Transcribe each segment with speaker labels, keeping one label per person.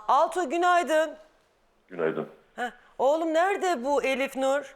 Speaker 1: Altuğ günaydın.
Speaker 2: Günaydın.
Speaker 1: Heh. Oğlum nerede bu Elif Nur?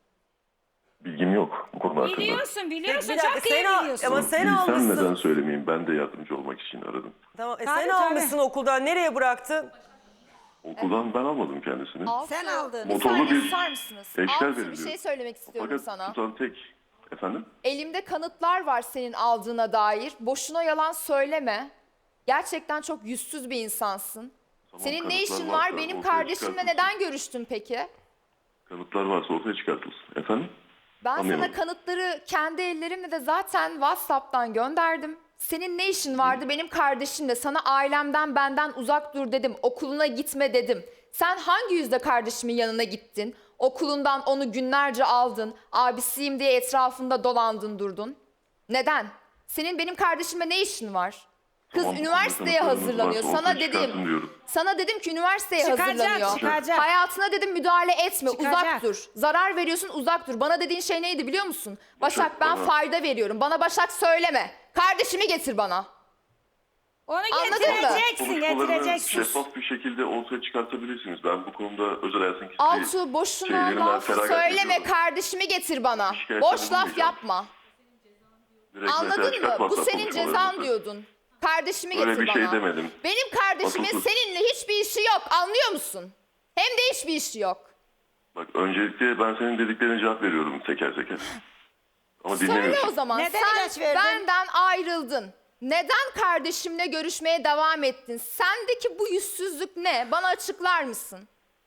Speaker 2: Bilgim yok bu konu hakkında.
Speaker 3: Biliyorsun
Speaker 1: Bir dakika,
Speaker 3: çok iyi biliyorsun.
Speaker 1: ama sen
Speaker 2: Bilsem
Speaker 1: almışsın.
Speaker 2: neden söylemeyeyim? Ben de yardımcı olmak için aradım.
Speaker 1: Tamam, sen
Speaker 3: Tabii,
Speaker 1: almışsın okuldan. Nereye bıraktın?
Speaker 2: Okuldan ben almadım kendisini.
Speaker 4: Sen aldın.
Speaker 2: Motorlu bir
Speaker 5: susar mısınız?
Speaker 2: eşler
Speaker 5: Altuğ, bir
Speaker 2: veriliyor.
Speaker 5: şey söylemek istiyorum
Speaker 2: Fakat
Speaker 5: sana.
Speaker 2: tutan tek... Efendim?
Speaker 5: Elimde kanıtlar var senin aldığına dair. Boşuna yalan söyleme. Gerçekten çok yüzsüz bir insansın.
Speaker 2: Tamam,
Speaker 5: Senin ne
Speaker 2: kanıtlar
Speaker 5: işin
Speaker 2: varsa
Speaker 5: var? Benim
Speaker 2: ortaya
Speaker 5: kardeşimle
Speaker 2: çıkartılsın.
Speaker 5: neden görüştün peki?
Speaker 2: Kanıtlar varsa ortaya çıkartılsın. Efendim?
Speaker 5: Ben
Speaker 2: Anlayamadım.
Speaker 5: sana kanıtları kendi ellerimle de zaten WhatsApp'tan gönderdim. Senin ne işin vardı benim kardeşimle? Sana ailemden benden uzak dur dedim. Okuluna gitme dedim. Sen hangi yüzle kardeşimin yanına gittin? Okulundan onu günlerce aldın. Abisiyim diye etrafında dolandın durdun. Neden? Senin benim kardeşimle ne işin var? Kız
Speaker 2: Tamam, bu
Speaker 5: üniversiteye
Speaker 2: konuda kanıtlarınız
Speaker 5: hazırlanıyor.
Speaker 2: varsa
Speaker 5: Sana
Speaker 2: ortaya çıkartın
Speaker 5: dedim.
Speaker 2: diyorum.
Speaker 5: Sana dedim ki üniversiteye hazırlanıyor.
Speaker 3: Çıkacak.
Speaker 5: Hayatına dedim müdahale etme,
Speaker 3: Çıkacak.
Speaker 5: uzak dur. Zarar veriyorsun, uzak dur. Bana dediğin şey neydi biliyor musun? Başak ben
Speaker 2: bana-
Speaker 5: fayda veriyorum. Bana Başak söyleme. Kardeşimi getir bana.
Speaker 3: Onu
Speaker 5: Anladın mı?
Speaker 3: getireceksin,
Speaker 2: Konuşmalarını
Speaker 3: getireceksin.
Speaker 2: şeffaf bir şekilde ortaya çıkartabilirsiniz. Ben bu konuda özel hayatın kişisi
Speaker 5: Altuğ boşuna
Speaker 2: şeylerini ben
Speaker 5: laf
Speaker 2: feragat
Speaker 5: söyleme,
Speaker 2: ediyorum.
Speaker 5: kardeşimi getir bana.
Speaker 2: Şikayette
Speaker 5: Boş laf
Speaker 2: bulunmayacağım.
Speaker 5: yapma.
Speaker 2: Direkt mesela
Speaker 5: Anladın mı?
Speaker 2: çıkart
Speaker 5: Bu
Speaker 2: WhatsApp
Speaker 5: senin cezan
Speaker 2: konuşmalarınızı.
Speaker 5: diyordun. Kardeşimi
Speaker 2: Öyle
Speaker 5: getir
Speaker 2: bir
Speaker 5: bana.
Speaker 2: şey demedim.
Speaker 5: Benim kardeşimin
Speaker 2: Asılsız.
Speaker 5: seninle hiçbir işi yok. Anlıyor musun? Hem de hiçbir işi yok.
Speaker 2: Bak öncelikle ben senin dediklerine cevap veriyorum teker teker. Ama
Speaker 5: Söyle
Speaker 2: dinlemiyorsun.
Speaker 5: o zaman.
Speaker 4: Neden ilaç
Speaker 5: Sen
Speaker 4: verdin?
Speaker 5: benden ayrıldın. Neden kardeşimle görüşmeye devam ettin? Sendeki bu yüzsüzlük ne? Bana açıklar mısın?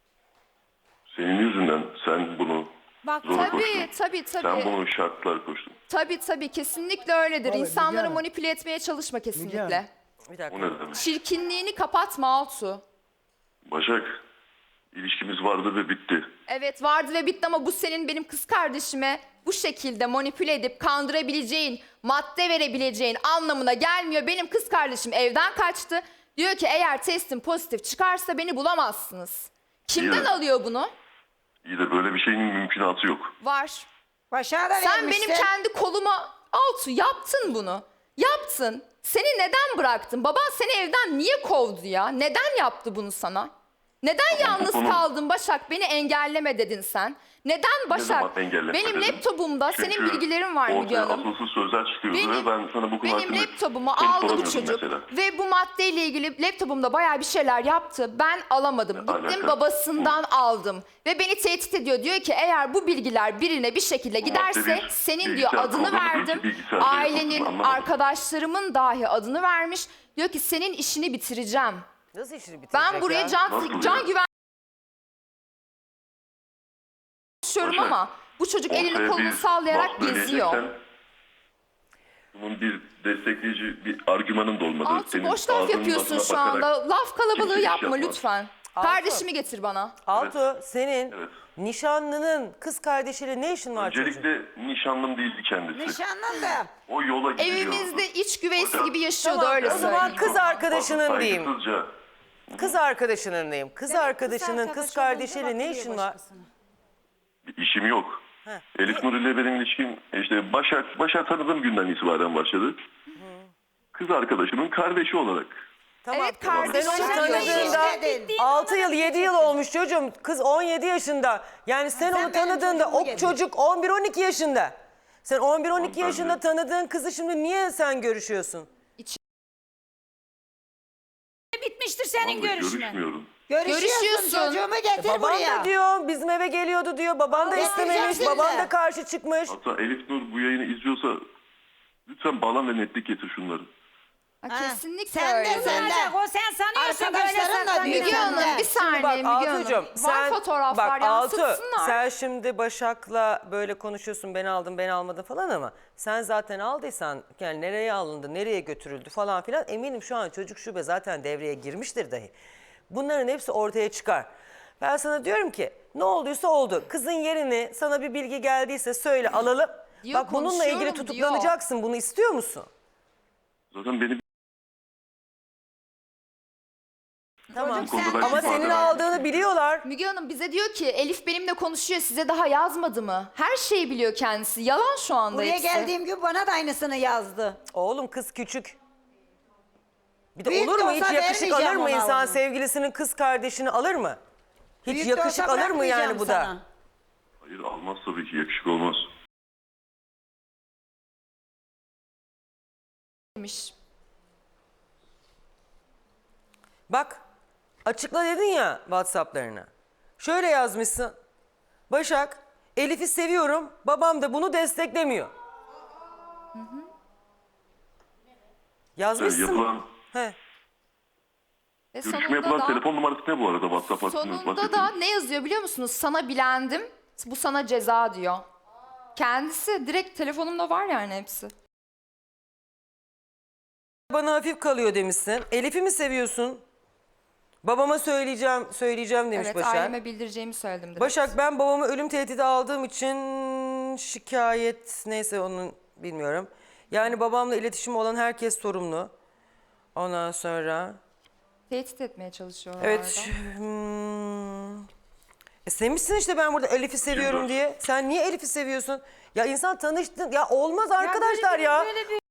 Speaker 2: Senin yüzünden sen bunu
Speaker 3: Bak
Speaker 2: zora
Speaker 5: Tabii,
Speaker 2: koştun. Sen
Speaker 5: tabii.
Speaker 2: bunu şartlar koştun.
Speaker 5: Tabii, kesinlikle öyledir.
Speaker 6: Vallahi
Speaker 5: İnsanları
Speaker 6: Müge Hanım.
Speaker 5: manipüle etmeye çalışma kesinlikle.
Speaker 6: Hanım.
Speaker 1: Bir
Speaker 2: O
Speaker 1: dakika.
Speaker 2: ne demek?
Speaker 5: Çirkinliğini kapatma Altuğ.
Speaker 2: Başak, ilişkimiz vardı ve bitti.
Speaker 5: Evet vardı ve bitti ama bu senin benim kız kardeşime bu şekilde manipüle edip kandırabileceğin, madde verebileceğin anlamına gelmiyor. Benim kız kardeşim evden kaçtı. Diyor ki eğer testim pozitif çıkarsa beni bulamazsınız. Kimden
Speaker 2: İyi de-
Speaker 5: alıyor bunu?
Speaker 2: İyi de böyle bir şeyin mümkünatı yok.
Speaker 5: Var.
Speaker 4: Başak'a da
Speaker 5: Sen
Speaker 4: vermişsin.
Speaker 5: benim kendi koluma Altuğ yaptın bunu. Yaptın. Seni neden bıraktın? Baban seni evden niye kovdu ya? Neden yaptı bunu sana? Neden yalnız
Speaker 2: konu-
Speaker 5: kaldın Başak? Beni engelleme dedin sen. Neden Başak?
Speaker 2: zaman engelleme
Speaker 5: Benim
Speaker 2: dedim?
Speaker 5: laptopumda senin
Speaker 2: Çünkü
Speaker 5: bilgilerin var Müge
Speaker 2: ortaya
Speaker 5: Hanım.
Speaker 2: asılsız sözler çıkıyordu
Speaker 5: Benim-
Speaker 2: ve ben sana bu konu
Speaker 5: Benim
Speaker 2: hakkında
Speaker 5: laptopumu
Speaker 2: kanıt
Speaker 5: aldı bu
Speaker 2: alamıyordum
Speaker 5: çocuk
Speaker 2: mesela.
Speaker 5: ve bu maddeyle ilgili laptopumda bayağı bir şeyler yaptı. Ben alamadım. Gittim
Speaker 2: alaka?
Speaker 5: babasından aldım ve beni tehdit ediyor. Diyor ki eğer bu bilgiler birine bir şekilde giderse
Speaker 2: madde bir
Speaker 5: senin diyor
Speaker 2: bilgisayar
Speaker 5: adını
Speaker 2: programı değil ki,
Speaker 5: verdim.
Speaker 2: bilgisayarda
Speaker 5: Ailenin,
Speaker 2: yapılsın, anlamadım.
Speaker 5: arkadaşlarımın dahi adını vermiş. Diyor ki senin işini bitireceğim.
Speaker 1: Nasıl işini bitirecek
Speaker 5: Ben buraya
Speaker 1: ya?
Speaker 2: Nasıl
Speaker 5: can
Speaker 2: ya?
Speaker 5: güven konuşuyorum
Speaker 2: Başak,
Speaker 5: ama bu çocuk elini
Speaker 2: ortaya
Speaker 5: kolunu
Speaker 2: bir
Speaker 5: sallayarak
Speaker 2: laf
Speaker 5: geziyor.
Speaker 2: söyleyeceksen, bunun bir destekleyici bir argümanın da olmadı.
Speaker 5: Altı
Speaker 2: Senin
Speaker 5: boş laf
Speaker 2: ağzının
Speaker 5: yapıyorsun
Speaker 2: tadına
Speaker 5: şu
Speaker 2: bakarak
Speaker 5: anda. Laf kalabalığı
Speaker 2: kimse iş
Speaker 5: yapma
Speaker 2: yapmaz.
Speaker 5: lütfen.
Speaker 1: Altı.
Speaker 5: Kardeşimi getir bana.
Speaker 1: Altuğ senin
Speaker 2: Evet.
Speaker 1: nişanlının kız kardeşiyle ne işin var çocuğum?
Speaker 2: Öncelikle nişanlım değildi kendisi.
Speaker 4: Nişanlın da.
Speaker 2: O yola gidiyordu.
Speaker 5: Evimizde iç güveysi
Speaker 2: Hocam,
Speaker 5: gibi yaşıyordu
Speaker 1: tamam,
Speaker 5: öyle
Speaker 1: o zaman
Speaker 5: söyleyeyim.
Speaker 1: kız arkadaşının diyeyim.
Speaker 2: Saygısızca
Speaker 1: Kız arkadaşının diyeyim. Kız arkadaşının kız
Speaker 3: arkadaşı
Speaker 1: kardeşiyle
Speaker 3: olunca
Speaker 1: ne
Speaker 3: bakılıyor
Speaker 1: işin var?
Speaker 3: başkasına.
Speaker 2: bir işim yok. Elif Nur ile benim ilişkim işte Başak tanıdığım günden itibaren başladı. Kız arkadaşımın kardeşi olarak.
Speaker 1: Tamam.
Speaker 5: Evet,
Speaker 1: Sen onu
Speaker 5: kardeşim
Speaker 1: tanıdığında
Speaker 4: dedin.
Speaker 1: 6 yıl 7 yıl olmuş çocuğum. Kız 17 yaşında. Yani sen
Speaker 4: sen
Speaker 1: onu
Speaker 4: benim
Speaker 1: tanıdığında
Speaker 4: çocuğumu
Speaker 1: o
Speaker 4: yedin.
Speaker 1: çocuk 11-12 yaşında. Sen 11-12
Speaker 2: Ben
Speaker 1: yaşında
Speaker 2: de-
Speaker 1: tanıdığın kızı şimdi niye sen görüşüyorsun?
Speaker 3: Bitmiştir senin
Speaker 2: Vallahi
Speaker 3: görüşmen.
Speaker 2: görüşmüyorum.
Speaker 5: Görüşüyorsun.
Speaker 4: Çocuğumu getir
Speaker 1: Baban
Speaker 4: buraya.
Speaker 1: da diyor bizim eve geliyordu diyor. Baban da
Speaker 4: Allah
Speaker 1: istememiş.
Speaker 4: getireceksin
Speaker 1: Baban
Speaker 4: de.
Speaker 1: da karşı çıkmış.
Speaker 2: Hatta Elif Nur bu yayını izliyorsa lütfen bağlan ve netlik getir şunları.
Speaker 5: Ha, kesinlikle
Speaker 4: Sen
Speaker 5: öyle.
Speaker 4: de sen de.
Speaker 3: O sen sanıyorsun böyle
Speaker 4: Arkadaşların da
Speaker 3: saklanıyor.
Speaker 4: diyor.
Speaker 5: Müge
Speaker 4: Sen de.
Speaker 5: Hanım bir saniye
Speaker 1: Bak
Speaker 5: Müge Hanım.
Speaker 1: Altuğ'cum
Speaker 5: Var fotoğraflar
Speaker 1: Altuğ,
Speaker 5: yansıtsınlar.
Speaker 1: sen şimdi Başak'la böyle konuşuyorsun ben aldım ben almadım falan ama sen zaten aldıysan yani nereye alındı nereye götürüldü falan filan eminim şu an çocuk şube zaten devreye girmiştir dahi. Bunların hepsi ortaya çıkar. Ben sana diyorum ki ne olduysa oldu. Kızın yerini sana bir bilgi geldiyse söyle alalım.
Speaker 5: Diyor,
Speaker 1: Bak bununla ilgili
Speaker 5: konuşuyorum
Speaker 1: tutuklanacaksın bunu istiyor musun?
Speaker 2: Zaten benim
Speaker 1: Tamam.
Speaker 2: bu konuda ben
Speaker 1: Ama
Speaker 2: ifade
Speaker 1: senin
Speaker 2: verdim.
Speaker 1: aldığını biliyorlar.
Speaker 5: Müge Hanım bize diyor ki Elif benimle konuşuyor size daha yazmadı mı? Her şeyi biliyor kendisi. Yalan şu anda
Speaker 4: Buraya
Speaker 5: hepsi.
Speaker 4: geldiğim gün bana da aynısını yazdı.
Speaker 1: Oğlum kız küçük. Bir de
Speaker 4: Büyük
Speaker 1: olur
Speaker 4: de
Speaker 1: mu?
Speaker 4: olsa
Speaker 1: Hiç yakışık
Speaker 4: vermeyeceğim
Speaker 1: alır mı
Speaker 4: ona
Speaker 1: insan
Speaker 4: onu.
Speaker 1: sevgilisinin kız kardeşini alır mı? Hiç
Speaker 4: Büyük de
Speaker 1: yakışık
Speaker 4: olsa
Speaker 1: alır mı yani
Speaker 4: bırakmayacağım
Speaker 1: bu da?
Speaker 4: sana.
Speaker 2: Hayır almaz tabii ki, yakışık olmaz.
Speaker 5: demiş.
Speaker 1: Bak açıkla dedin ya WhatsApp'larına. Şöyle yazmışsın. Başak, Elif'i seviyorum. Babam da bunu desteklemiyor.
Speaker 2: Yani
Speaker 1: Yazmışsın.
Speaker 2: yapılan,
Speaker 1: He.
Speaker 5: Ve
Speaker 2: görüşme yapılan telefon numarası ne bu arada WhatsApp hakkında
Speaker 5: sonunda
Speaker 2: bahsettiğiniz?
Speaker 5: da ne yazıyor biliyor musunuz? Sana bilendim, bu sana ceza diyor. Kendisi direkt telefonumda var yani hepsi.
Speaker 1: Bana hafif kalıyor demişsin. Elif'i mi seviyorsun? Babama söyleyeceğim demiş
Speaker 5: Evet,
Speaker 1: Başak.
Speaker 5: aileme bildireceğimi söyledim direkt.
Speaker 1: Başak, ben babamı ölüm tehdidi aldığım için şikayet, neyse onun bilmiyorum. Yani babamla iletişimi olan herkes sorumlu. Ondan sonra
Speaker 5: Tehdit etmeye çalışıyorlar
Speaker 1: evet. Sevmişsin işte ben burada Elif'i seviyorum diye. Sen niye Elif'i seviyorsun? Ya insan tanıştın. Ya olmaz arkadaşlar ya.
Speaker 3: Böyle bir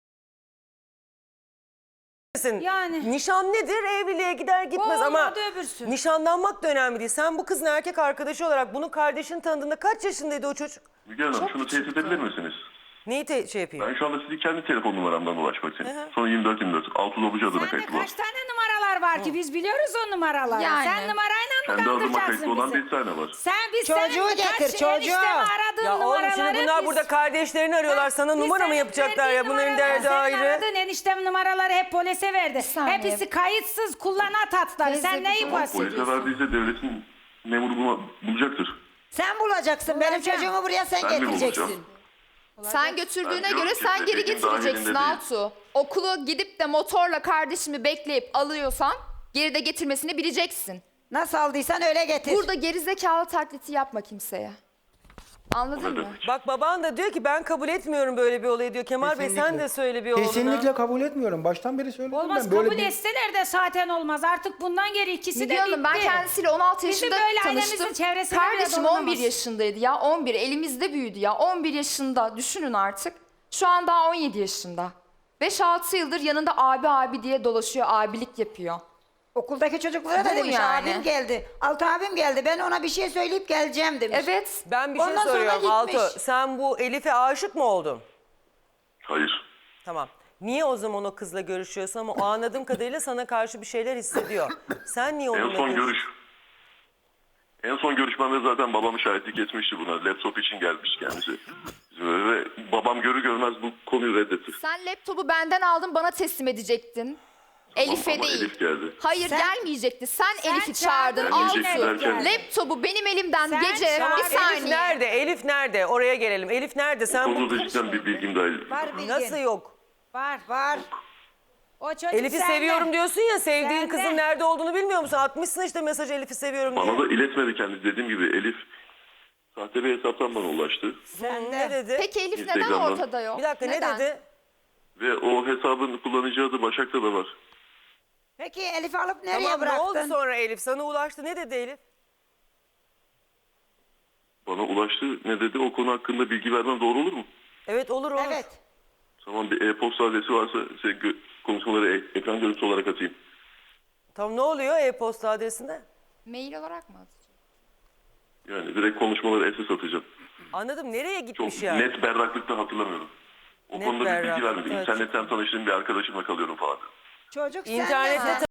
Speaker 1: Sen-
Speaker 3: Yani.
Speaker 1: Nişan nedir? Evliliğe gider gitmez
Speaker 3: O
Speaker 1: ama
Speaker 3: olmadı, öbürsü.
Speaker 1: nişanlanmak da önemli değil. Sen bu kızın erkek arkadaşı olarak bunun kardeşini tanıdığında kaç yaşındaydı o çocuk?
Speaker 2: Müge Hanım şunu teyit edebilir misiniz?
Speaker 1: Neyi şey yapayım?
Speaker 2: Ben şu anda sizi kendi telefon numaramdan ulaşmak istedim. Sonra 24 Altı Lobucu adına
Speaker 3: Sende
Speaker 2: kayıtlı var.
Speaker 3: kaç tane numaralar var ki biz biliyoruz o numaraları.
Speaker 5: Yani.
Speaker 3: Sen numarayla mı
Speaker 2: Kendi adıma
Speaker 3: kandıracaksın
Speaker 2: kayıtlı olan
Speaker 3: bizi?
Speaker 2: bir tane var.
Speaker 3: Biz
Speaker 4: Çocuğu
Speaker 3: senin
Speaker 4: getir,
Speaker 3: kaç
Speaker 4: çocuğu.
Speaker 3: eniştemi aradığın
Speaker 1: Ya oğlum
Speaker 3: numaraları
Speaker 1: şimdi bunlar
Speaker 3: biz-
Speaker 1: burada kardeşlerini arıyorlar. Sana
Speaker 3: Biz
Speaker 1: numara mı
Speaker 3: senin
Speaker 1: yapacaklar
Speaker 3: verdiğin
Speaker 1: ya? Bunların
Speaker 3: numaraları,
Speaker 1: derdi
Speaker 3: senin
Speaker 1: ayrı.
Speaker 3: aradığın eniştem numaraları hep polise verdi.
Speaker 5: saniye.
Speaker 3: Hepsi kayıtsız kullanat hatları.
Speaker 5: Teyze,
Speaker 3: Sen neyi
Speaker 5: bir-
Speaker 2: Polise
Speaker 3: bahsediyorsun?
Speaker 2: verdiyse devletin memuru bulacaktır.
Speaker 4: Sen bulacaksın. Benim
Speaker 3: Bulacağım.
Speaker 4: çocuğumu buraya sen
Speaker 2: Ben mi
Speaker 4: getireceksin.
Speaker 2: bulacağım?
Speaker 5: Sen götürdüğüne
Speaker 2: Ben
Speaker 5: göre
Speaker 2: diyorum ki
Speaker 5: sen geri
Speaker 2: dediğim
Speaker 5: getireceksin
Speaker 2: dahilinde değil.
Speaker 5: Altuğ. Okulu gidip de motorla kardeşimi bekleyip alıyorsan geri de getirmesini bileceksin.
Speaker 4: Nasıl aldıysan öyle getir.
Speaker 5: Burada gerizekalı taklidi yapma kimseye. Anladın
Speaker 2: Ne
Speaker 5: mı?
Speaker 2: demek?
Speaker 1: Bak baban da diyor ki ben kabul etmiyorum böyle bir olayı diyor. Kemal Bey sen
Speaker 6: Kesinlikle.
Speaker 1: de söyle bir oğluna.
Speaker 6: Kesinlikle kabul etmiyorum. Baştan beri söyledim
Speaker 3: Olmaz
Speaker 6: ben. Böyle
Speaker 3: kabul etseler de zaten olmaz. Artık bundan geri ikisi
Speaker 5: Müge
Speaker 3: de
Speaker 5: Hanım,
Speaker 3: bitti.
Speaker 5: ben kendisiyle 16
Speaker 3: Bizim
Speaker 5: yaşında
Speaker 3: böyle ailemizin
Speaker 5: tanıştım.
Speaker 3: çevresinde
Speaker 5: Kardeşim
Speaker 3: bile
Speaker 5: 11
Speaker 3: dolanamaz.
Speaker 5: yaşındaydı ya, 11. Elimizde büyüdü ya, 11 yaşında. Düşünün artık. Şu an daha 17 yaşında. 5-6 yıldır yanında abi diye dolaşıyor, abilik yapıyor.
Speaker 4: Okuldaki çocuklara da
Speaker 5: Bu
Speaker 4: demiş
Speaker 5: yani.
Speaker 4: abim geldi. Altı abim geldi. Ben ona bir şey söyleyip geleceğim demiş.
Speaker 5: Evet.
Speaker 1: Ben bir şey
Speaker 4: Ondan sonra
Speaker 1: soruyorum
Speaker 4: gitmiş.
Speaker 1: Alto. Sen bu Elif'e aşık mı oldun?
Speaker 2: Hayır.
Speaker 1: Tamam. Niye o zaman o kızla görüşüyorsun ama o anladığım kadarıyla sana karşı bir şeyler hissediyor. Sen niye onunla
Speaker 2: En son
Speaker 1: görüşüyorsun?
Speaker 2: En son görüşmemde zaten babamı şahitlik etmişti buna. Laptop için gelmiş kendisi. Ve babam görür görmez bu konuyu reddetti.
Speaker 5: Sen laptopu benden aldın, bana teslim edecektin. Elif'e
Speaker 2: ama
Speaker 5: değil.
Speaker 2: Elif geldi.
Speaker 5: Hayır, gelmeyecekti. Sen Elif'i çağırdın.
Speaker 2: Gelmeyecekti
Speaker 5: Altu.
Speaker 2: derken-
Speaker 5: Laptopu benim elimden
Speaker 3: Sen
Speaker 5: gece
Speaker 3: çağırdın.
Speaker 5: bir
Speaker 1: Elif
Speaker 5: saniye.
Speaker 1: nerede? Elif nerede? Oraya gelelim. Elif nerede? Sen bu...
Speaker 2: Konuda cidden bir bilgim dahil.
Speaker 4: Var bilgin.
Speaker 1: Nasıl yok?
Speaker 3: Var.
Speaker 4: Var.
Speaker 3: O çocuk
Speaker 1: Elif'i
Speaker 3: sende.
Speaker 1: seviyorum diyorsun ya, sevdiğin
Speaker 3: Sende.
Speaker 1: kızın nerede olduğunu bilmiyor musun? Atmışsın işte mesaj Elif'i seviyorum diye.
Speaker 2: Bana da iletmedi kendisi. Dediğim gibi Elif sahte bir hesaptan bana ulaştı.
Speaker 1: Ne dedi?
Speaker 5: Peki Elif neden
Speaker 2: Instagram'dan.
Speaker 5: ortada yok?
Speaker 1: Bir dakika
Speaker 5: Neden?
Speaker 1: ne dedi?
Speaker 2: Ve o hesabın kullanıcı adı Başak'ta da var.
Speaker 4: Peki Elif'i alıp nereye
Speaker 1: Tamam ne
Speaker 4: bıraktın?
Speaker 1: oldu sonra Elif? Sana ulaştı. Ne dedi Elif?
Speaker 2: Bana ulaştı. Ne dedi? O konu hakkında bilgi vermem doğru olur mu?
Speaker 1: Evet olur olur.
Speaker 4: Evet.
Speaker 2: Tamam, bir e-posta adresi varsa size konuşmaları ekran görüntüsü olarak atayım.
Speaker 1: Tamam ne oluyor e-posta adresinde?
Speaker 5: Mail olarak mı atacağım?
Speaker 2: Yani direkt konuşmaları SS atacağım.
Speaker 1: Anladım. Nereye
Speaker 2: Çok
Speaker 1: gitmiş yani?
Speaker 2: net berraklıkta hatırlamıyorum. O
Speaker 1: Net
Speaker 2: konuda bir bilgi
Speaker 1: berraklık,
Speaker 2: vermedim.
Speaker 1: evet.
Speaker 2: İnternetten tanıştığım bir arkadaşımla kalıyorum falan.
Speaker 4: Çocuk
Speaker 1: İnternette
Speaker 4: sende.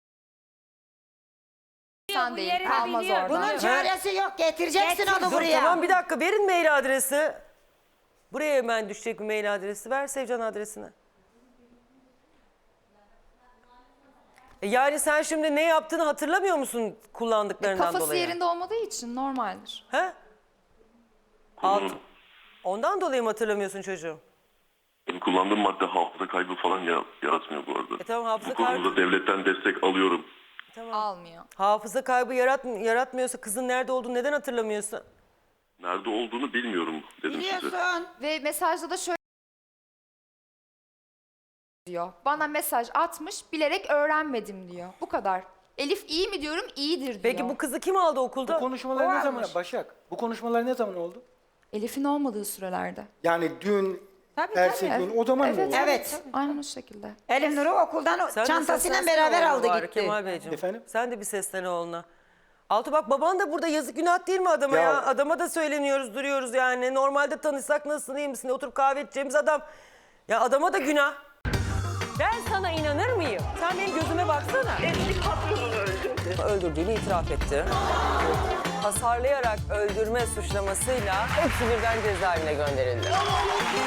Speaker 5: Sen
Speaker 3: bu
Speaker 5: değil,
Speaker 3: yerini
Speaker 5: kalmaz
Speaker 3: biliyor.
Speaker 5: oradan.
Speaker 4: Bunun çaresi yok. Getireceksin
Speaker 3: Getir.
Speaker 4: onu
Speaker 1: Dur,
Speaker 4: buraya.
Speaker 1: tamam bir dakika verin mail adresi. Buraya hemen düşecek bir mail adresi. Ver Sevcan adresini. Yani sen şimdi ne yaptığını hatırlamıyor musun kullandıklarından
Speaker 5: Kafası
Speaker 1: dolayı?
Speaker 5: yerinde olmadığı için normaldir.
Speaker 1: He?
Speaker 2: Konunun,
Speaker 1: Ondan dolayı mı hatırlamıyorsun çocuğum?
Speaker 2: benim kullandığım madde hafıza kaybı falan yaratmıyor bu arada.
Speaker 1: Tamam, hafıza
Speaker 2: Bu konuda devletten destek alıyorum.
Speaker 5: Almıyor.
Speaker 1: Hafıza kaybı yaratmıyorsa kızın nerede olduğunu neden hatırlamıyorsun?
Speaker 2: Nerede olduğunu bilmiyorum dedim size.
Speaker 4: Biliyorsun.
Speaker 5: Ve mesajda da şöyle diyor. Bana mesaj atmış, bilerek öğrenmedim diyor. Bu kadar. Elif iyi mi diyorum, iyidir diyor.
Speaker 1: Peki bu kızı kim aldı okulda?
Speaker 6: Bu konuşmalar ne zaman
Speaker 4: varmış.
Speaker 6: Başak? Bu konuşmalar ne zaman oldu?
Speaker 5: Elif'in olmadığı sürelerde.
Speaker 6: Yani dün
Speaker 3: Tabii
Speaker 6: Ersek
Speaker 3: tabii.
Speaker 6: yolu. O zaman mı
Speaker 5: Evet,
Speaker 6: olur?
Speaker 4: Evet.
Speaker 5: Aynen o şekilde.
Speaker 4: Elif Nur'u okuldan
Speaker 1: Sen de
Speaker 4: çantasıyla
Speaker 1: seslensene
Speaker 4: beraber
Speaker 1: oğlum
Speaker 4: aldı
Speaker 1: bari
Speaker 4: gitti.
Speaker 1: Kemal Beyciğim.
Speaker 6: Efendim?
Speaker 1: Sen de bir seslen oğluna. Altı bak baban da burada, yazık günah değil mi adama ya?
Speaker 6: Ya-
Speaker 1: Adama da söyleniyoruz, duruyoruz yani. Normalde tanışsak nasılsın, iyi misin? Oturup kahve içeceğimiz adam. Ya adama da günah. Ben sana inanır mıyım? Sen benim gözüme baksana.
Speaker 7: Eski patronunu öldürdü.
Speaker 1: Öldürdüğünü itiraf etti. Hasarlayarak öldürme suçlamasıyla hepsi birden cezaevine gönderildi.